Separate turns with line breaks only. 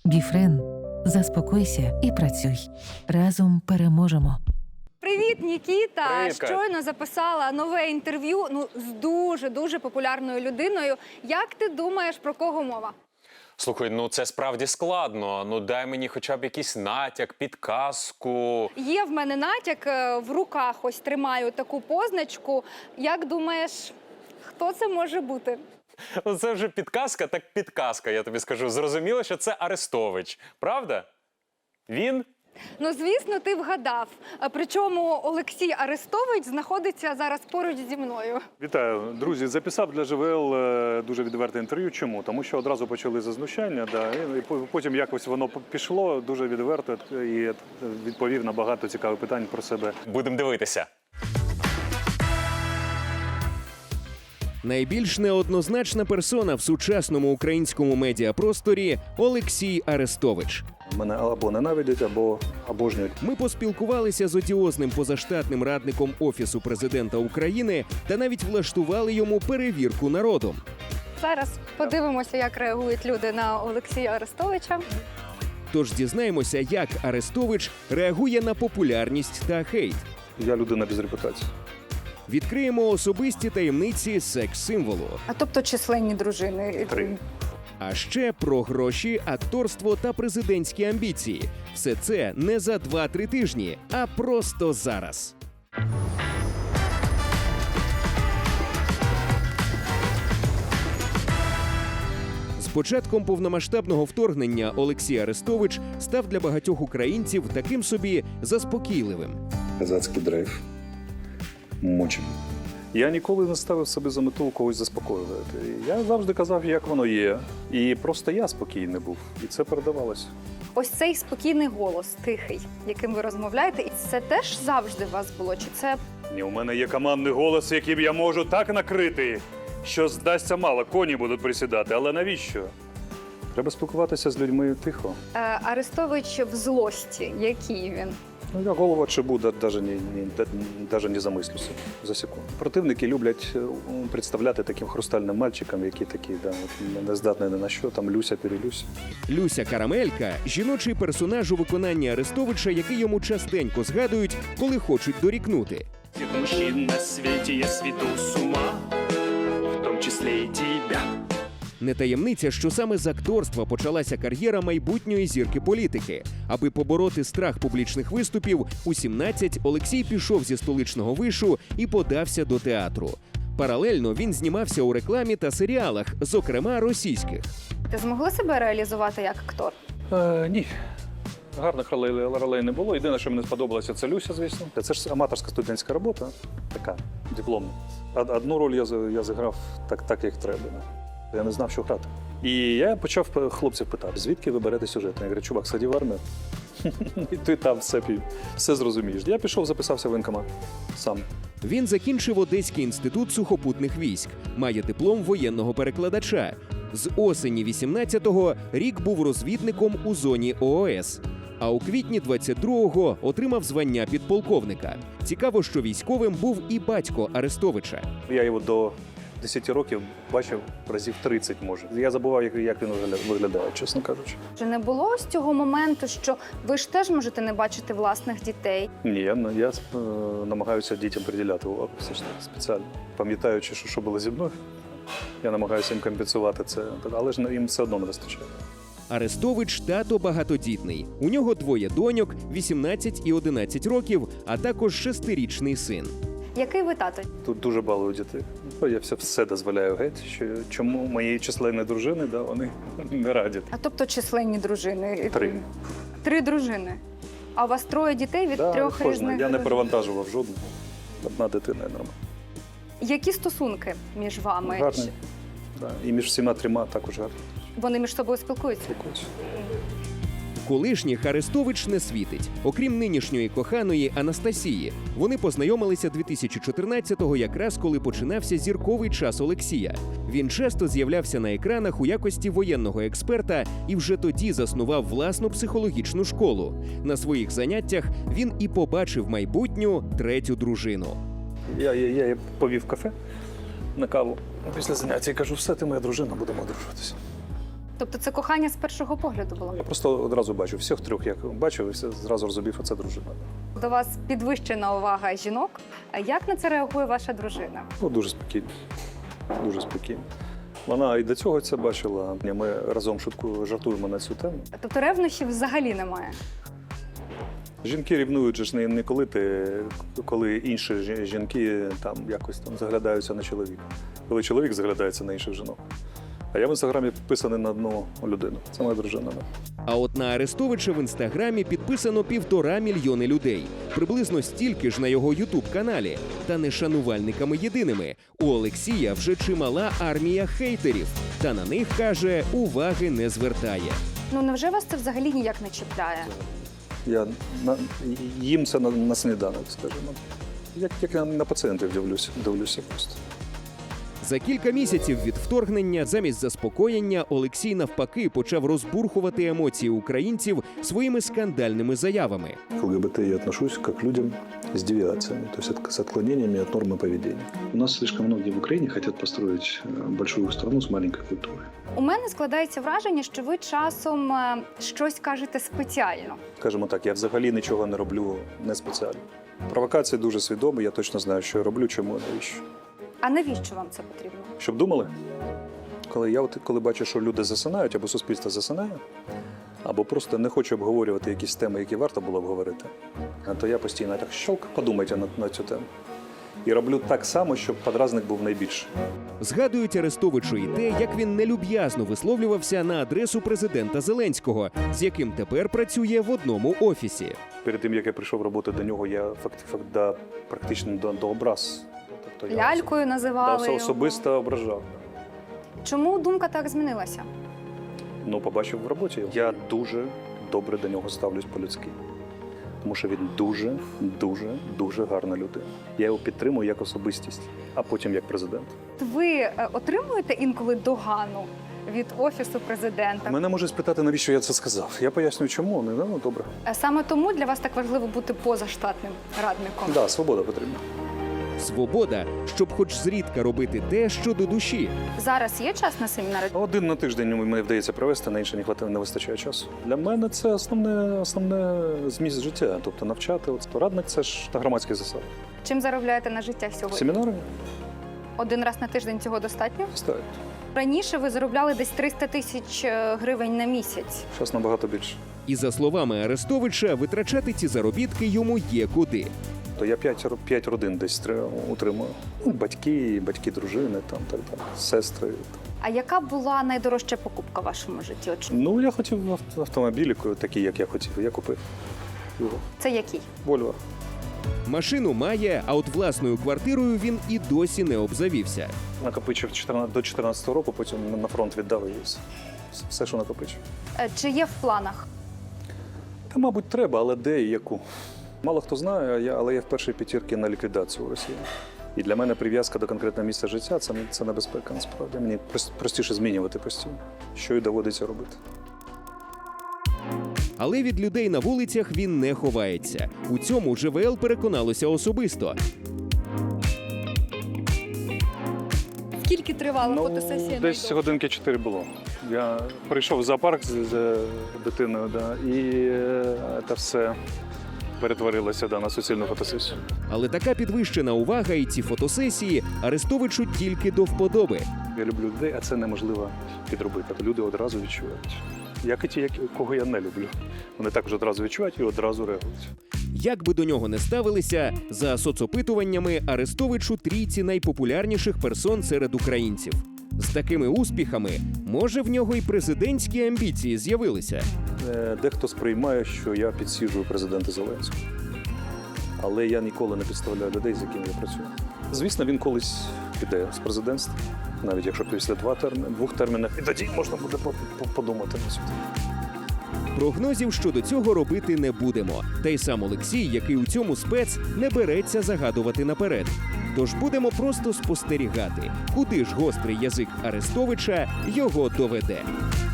Біфрен. Заспокойся і працюй. Разом переможемо.
Привіт, Нікіта!
Привіт, Кать.
Щойно записала нове інтерв'ю з дуже популярною людиною. Як ти думаєш, про кого мова?
Слухай, це справді складно. Дай мені хоча б якийсь натяк, підказку.
Є в мене натяк, в руках ось тримаю таку позначку. Як думаєш, хто це може бути?
Це вже підказка, так підказка, я тобі скажу. Зрозуміло, що це Арестович. Правда? Він?
Звісно, ти вгадав. Причому Олексій Арестович знаходиться зараз поруч зі мною.
Вітаю, друзі. Записав для ЖВЛ дуже відверте інтерв'ю. Чому? Тому що одразу почали зазнущання, і потім якось воно пішло дуже відверто і відповів на багато цікавих питань про себе.
Будемо дивитися.
Найбільш неоднозначна персона в сучасному українському медіапросторі – Олексій Арестович.
Мене або ненавидять, або обожнюють.
Ми поспілкувалися з одіозним позаштатним радником Офісу президента України та навіть влаштували йому перевірку народом.
Зараз подивимося, як реагують люди на Олексія Арестовича.
Тож дізнаємося, як Арестович реагує на популярність та хейт.
Я людина без репутації.
Відкриємо особисті таємниці секс-символу.
А тобто численні дружини.
3.
А ще про гроші, акторство та президентські амбіції. Все це не за 2-3 тижні, а просто зараз. З початком повномасштабного вторгнення Олексій Арестович став для багатьох українців таким собі заспокійливим.
Казацький драйв. Мочим. Я ніколи не ставив собі за мету когось заспокоювати. Я завжди казав, як воно є. І просто я спокійний був. І це передавалося.
Ось цей спокійний голос, тихий, яким ви розмовляєте, і це теж завжди у вас було? Чи це
Ні, у мене є командний голос, яким я можу так накрити, що здасться мало, коні будуть присідати. Але навіщо? Треба спілкуватися з людьми тихо.
Арестович в злості? Який він?
Я голова чебу навіть не замислюся за секунду. Противники люблять представляти таким хрустальним мальчиком, які такі, не здатні ні на що, там Люся-перелюся.
Люся Карамелька – жіночий персонаж у виконанні Арестовича, який йому частенько згадують, коли хочуть дорікнути.
Всех мужчин на свете я сведу с ума, в том числе и тебя.
Не таємниця, що саме з акторства почалася кар'єра майбутньої зірки політики. Аби побороти страх публічних виступів, у 17 Олексій пішов зі столичного вишу і подався до театру. Паралельно він знімався у рекламі та серіалах, зокрема російських.
Ти змогли себе реалізувати як актор?
Ні. Гарних ролей не було. Єдине, що мені сподобалося, це Люся, звісно. Це ж аматорська студентська робота, така, дипломна. Одну роль я зіграв так, як треба. Я не знав, що грати. І я почав хлопців питати, звідки ви берете сюжет? Я говорю, чувак, сходи в армію, і ти там все зрозумієш. Я пішов, записався в воєнкомат сам.
Він закінчив Одеський інститут сухопутних військ, має диплом воєнного перекладача. З осені 18-го рік був розвідником у зоні ООС. А у квітні 22-го отримав звання підполковника. Цікаво, що військовим був і батько Арестовича.
Я його до 10 років бачив разів 30, може. Я забував, як він виглядає, чесно кажучи.
Чи не було ось цього моменту, що ви ж теж можете не бачити власних дітей?
Ні, я намагаюся дітям приділяти увагу все ж таки спеціально. Пам'ятаючи, що було зі мною, я намагаюся їм компенсувати це, але ж їм все одно не вистачає.
Арестович – тато багатодітний. У нього 2 доньок, 18 і 11 років, а також 6-річний син.
Який ви тато?
Тут дуже балую дітей. Я все дозволяю геть, що чому моєї численної дружини, вони не радять.
А тобто численні дружини?
3.
3 дружини. А у вас 3 дітей від 3
кожна.
різних?
Я не перевантажував жодну. Одна дитина нормально.
Які стосунки між вами?
Гарні. Да. І між всіма 3 також гарні.
Вони між собою спілкуються?
Спілкуються.
Колишніх Арестович не світить. Окрім нинішньої коханої Анастасії. Вони познайомилися 2014-го, якраз коли починався зірковий час Олексія. Він часто з'являвся на екранах у якості воєнного експерта і вже тоді заснував власну психологічну школу. На своїх заняттях він і побачив майбутню 3-ю дружину.
Я її повів в кафе на каву. Після заняття кажу, все, ти моя дружина, будемо одружуватися.
Тобто це кохання з першого погляду було?
Я просто одразу бачу, всіх трьох як бачив, і зразу розумів, що це дружина.
До вас підвищена увага жінок. Як на це реагує ваша дружина?
Ну, дуже спокійно. Дуже спокійно. Вона і до цього це бачила. Ми разом жартуємо на цю тему.
Тобто ревнощів взагалі немає?
Жінки рівнують же ж не коли інші жінки там якось там заглядаються на чоловіка. Коли чоловік заглядається на інших жінок. А я в інстаграмі підписаний на одну людину. Це моя дружина.
А от на Арестовича в інстаграмі підписано 1,5 мільйони людей. Приблизно стільки ж на його ютуб-каналі. Та не шанувальниками єдиними. У Олексія вже чимала армія хейтерів. Та на них, каже, уваги не звертає.
Ну невже вас це взагалі ніяк не чіпляє?
Їм це на сніданок, скажімо. Як на пацієнтів дивлюся просто.
За кілька місяців від вторгнення замість заспокоєння Олексій навпаки почав розбурхувати емоції українців своїми скандальними заявами.
К ЛГБТ я отношусь как к людям с девиациями, то есть с отклонениями от нормы поведения. У нас слишком многие в Украине хотят построить большую страну с маленькой культурой.
У мене складається враження, що ви часом щось кажете спеціально.
Скажімо так, я взагалі нічого не роблю не спеціально. Провокації дуже свідомі, я точно знаю, що я роблю, чому, навіщо.
А навіщо вам це потрібно?
Щоб думали? Коли бачу, що люди засинають, або суспільство засинає, або просто не хочу обговорювати якісь теми, які варто було обговорити, то я постійно так щелк, подумайте на цю тему. І роблю так само, щоб подразник був найбільший.
Згадують Арестовичу і те, як він нелюб'язно висловлювався на адресу президента Зеленського, з яким тепер працює в одному офісі.
Перед тим, як я прийшов роботи до нього, я практично до образ. Тобто
Лялькою називали його.
особисто ображав.
Чому думка так змінилася?
Ну, побачив в роботі. Я дуже добре до нього ставлюсь по-людськи. Тому що він дуже гарна людина. Я його підтримую як особистість, а потім як президент.
Ви отримуєте інколи догану від Офісу президента?
Мене можуть спитати, навіщо я це сказав. Я пояснюю, чому. Ну, добре.
Саме тому для вас так важливо бути позаштатним радником?
Так, да, свобода потрібна.
Свобода, щоб хоч зрідка робити те, що до душі.
Зараз є час на семінари?
Один на тиждень мені вдається провести, на інше не вистачає часу. Для мене це основне зміст життя, тобто навчати. Радник – це ж на громадських засадах.
Чим заробляєте на життя сьогодні?
Семінарами
Один раз на тиждень цього достатньо?
ставлять.
Раніше ви заробляли десь 300 тисяч гривень на місяць.
Зараз набагато більше.
І за словами Арестовича, витрачати ці заробітки йому є куди.
То я 5 родин десь утримую. Ну, батьки, дружини, там, так далі, сестри.
А яка була найдорожча покупка в вашому житті?
Ну, я хотів автомобіль, такий, як я хотів. Я купив його.
Це який?
Вольво.
Машину має, а от власною квартирою він і досі не обзавівся.
Накопичив до 14-го року, потім на фронт віддав і все, що накопичив.
Чи є в планах?
Та, мабуть, треба, але де і яку? Мало хто знає, але я в першій п'ятірці на ліквідацію у Росії. І для мене прив'язка до конкретного місця життя – це небезпека, насправді. Мені простіше змінювати постійно, що і доводиться робити.
Але від людей на вулицях він не ховається. У цьому ЖВЛ переконалося особисто.
Скільки тривала фотосесія?
Десь годинки 4 було. Я прийшов в зоопарк з дитиною, і це все перетворилося на суцільну фотосесію.
Але така підвищена увага і ці фотосесії Арестовичу тільки до вподоби.
Я люблю людей, а це неможливо підробити. Люди одразу відчувають. Як і ті, кого я не люблю. Вони також одразу відчувають і одразу реагують.
Як би до нього не ставилися, за соцопитуваннями Арестович у трійці найпопулярніших персон серед українців. З такими успіхами, може, в нього й президентські амбіції з'явилися.
Дехто сприймає, що я підсіджую президента Зеленського. Але я ніколи не підставляю людей, з якими я працюю. Звісно, він колись піде з президентства, навіть якщо після двох термінів, і тоді можна буде подумати на це.
Прогнозів щодо цього робити не будемо. Та й сам Олексій, який у цьому спец, не береться загадувати наперед. Тож будемо просто спостерігати, куди ж гострий язик Арестовича його доведе.